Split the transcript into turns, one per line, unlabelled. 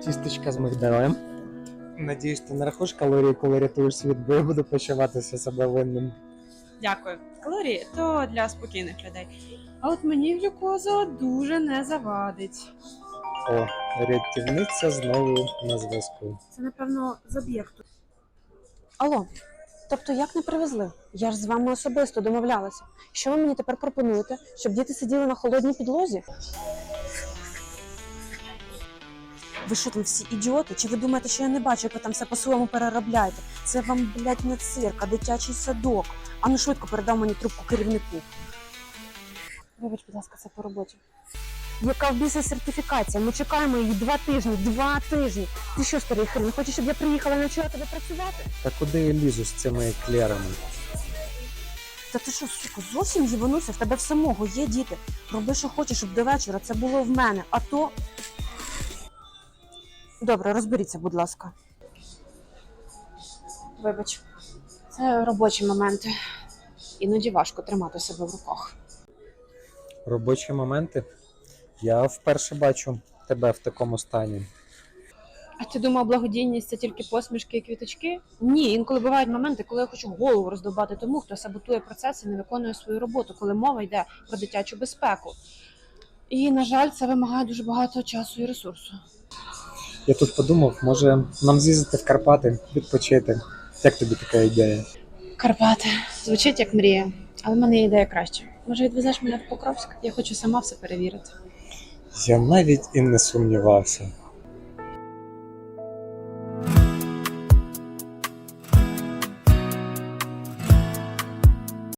тістечка з мигдалем. Надіюсь, ти не рахуєш калорії, коли рятуєш світ, бо я буду почуватися себе винним.
Дякую. Калорії то для спокійних людей. А от мені глюкоза дуже не завадить.
О, рятівниця знову на зв'язку.
Це, напевно, з об'єкту. Алло, тобто як не привезли? Я ж з вами особисто домовлялася. Що ви мені тепер пропонуєте? Щоб діти сиділи на холодній підлозі? Ви що там всі ідіоти? Чи ви думаєте, що я не бачу, як ви там все по-своєму переробляєте? Це вам, блядь, не цирк, а дитячий садок. Ану швидко передав мені трубку керівнику. Вибач, будь ласка, це по роботі. Яка в біса сертифікація? Ми чекаємо її 2 тижні. 2 тижні! Ти що, старий хрен, хочеш, щоб я приїхала і навчила тебе працювати?
Та куди я лізу з цими еклерами?
Та ти що, сука, зовсім їбанувся? В тебе в самого є діти. Роби, що хочеш, щоб до вечора це було в мене. А то... Добре, розберіться, будь ласка. Вибач. Це робочі моменти. Іноді важко тримати себе в руках.
Робочі моменти? Я вперше бачу тебе в такому стані.
А ти думав, благодійність – це тільки посмішки і квіточки? Ні, інколи бувають моменти, коли я хочу голову роздовбати тому, хто саботує процес і не виконує свою роботу, коли мова йде про дитячу безпеку. І, на жаль, це вимагає дуже багато часу і ресурсу.
Я тут подумав, може нам з'їздити в Карпати, відпочити. Як тобі така ідея?
Карпати. Звучить як мрія. Але в мене є ідея краще. Може, відвезеш мене в Покровськ? Я хочу сама все перевірити.
Я навіть і не сумнівався.